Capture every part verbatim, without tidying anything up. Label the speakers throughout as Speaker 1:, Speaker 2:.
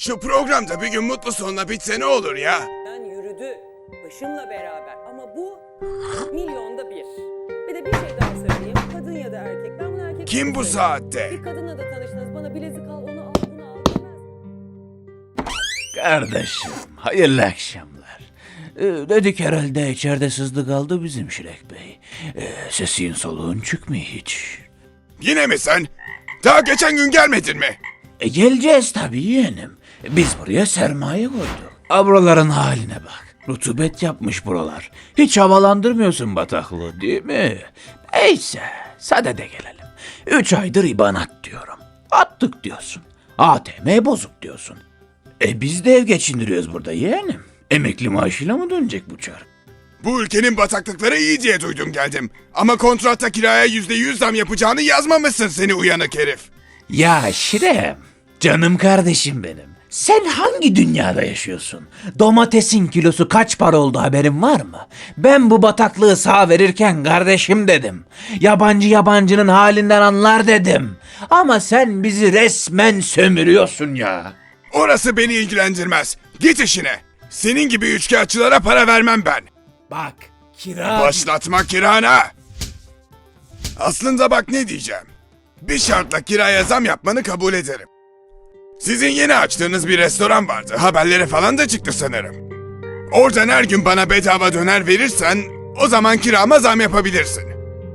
Speaker 1: Şu programda bir gün mutlu sonla bitse ne olur ya?
Speaker 2: Ben yürüdü başımla beraber ama bu milyonda bir. Bir de bir şey daha söyleyeyim. Kadın ya da erkek. Ben bunu erkek
Speaker 1: Kim bu saatte?
Speaker 2: Bir kadınla da tanıştınız. Bana bilezik al, onu al, bunu al demez.
Speaker 3: Kardeşim, hayırlı akşamlar. Ee, dedik herhalde içeride sızdı kaldı bizim Şirek Bey. Ee, sesin soluğun çıkmıyor hiç.
Speaker 1: Yine mi sen? Daha geçen gün gelmedin mi?
Speaker 3: E geleceğiz tabii yeğenim. Biz buraya sermaye koyduk. Ha, buraların haline bak. Rutubet yapmış buralar. Hiç havalandırmıyorsun bataklığı değil mi? Neyse, sadede gelelim. Üç aydır ibanat diyorum. Attık diyorsun. A T M bozuk diyorsun. E biz de ev geçindiriyoruz burada yeğenim. Emekli maaşıyla mı dönecek bu çark?
Speaker 1: Bu ülkenin bataklıkları iyi diye duydum geldim. Ama kontratta kiraya yüzde yüz zam yapacağını yazmamışsın seni uyanık herif.
Speaker 3: Ya Şirem, canım kardeşim benim. Sen hangi dünyada yaşıyorsun? Domatesin kilosu kaç para oldu haberin var mı? Ben bu bataklığı sağ verirken kardeşim dedim. Yabancı yabancının halinden anlar dedim. Ama sen bizi resmen sömürüyorsun ya.
Speaker 1: Orası beni ilgilendirmez. Git işine. Senin gibi üçkağıtçılara para vermem ben.
Speaker 3: Bak, kira...
Speaker 1: Başlatma kirana. Aslında bak ne diyeceğim. Bir şartla kiraya zam yapmanı kabul ederim. Sizin yeni açtığınız bir restoran vardı. Haberlere falan da çıktı sanırım. Oradan her gün bana bedava döner verirsen o zaman kirama zam yapabilirsin.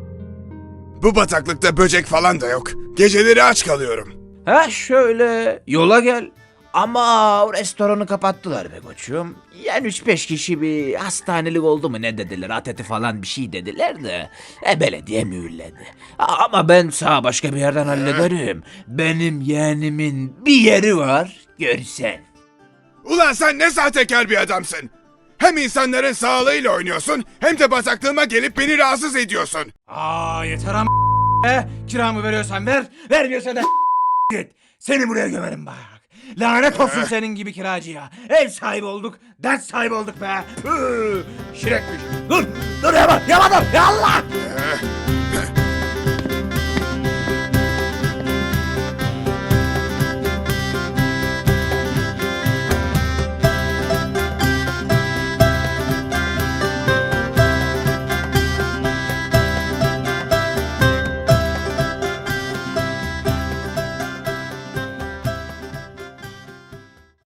Speaker 1: Bu bataklıkta böcek falan da yok. Geceleri aç kalıyorum.
Speaker 3: Ha şöyle, yola gel. Ama o restoranı kapattılar be koçum. Yani üç beş kişi bir hastanelik oldu mu ne dediler, ateti falan bir şey dediler de. E belediye mühürledi. A- Ama ben sağ başka bir yerden hallederim. Benim yeğenimin bir yeri var, görsen.
Speaker 1: Ulan sen ne sahtekar bir adamsın. Hem insanların sağlığıyla oynuyorsun hem de bataklığıma gelip beni rahatsız ediyorsun.
Speaker 3: Aa yeter ama e, kiramı veriyorsan ver, vermiyorsan da git. Seni buraya gömerim bak. Lanet olsun senin gibi kiracıya. Ev sahibi olduk, dert sahibi olduk be. Hı, Şirekmiş. Dur, dur yama, yama dur. Ya Allah!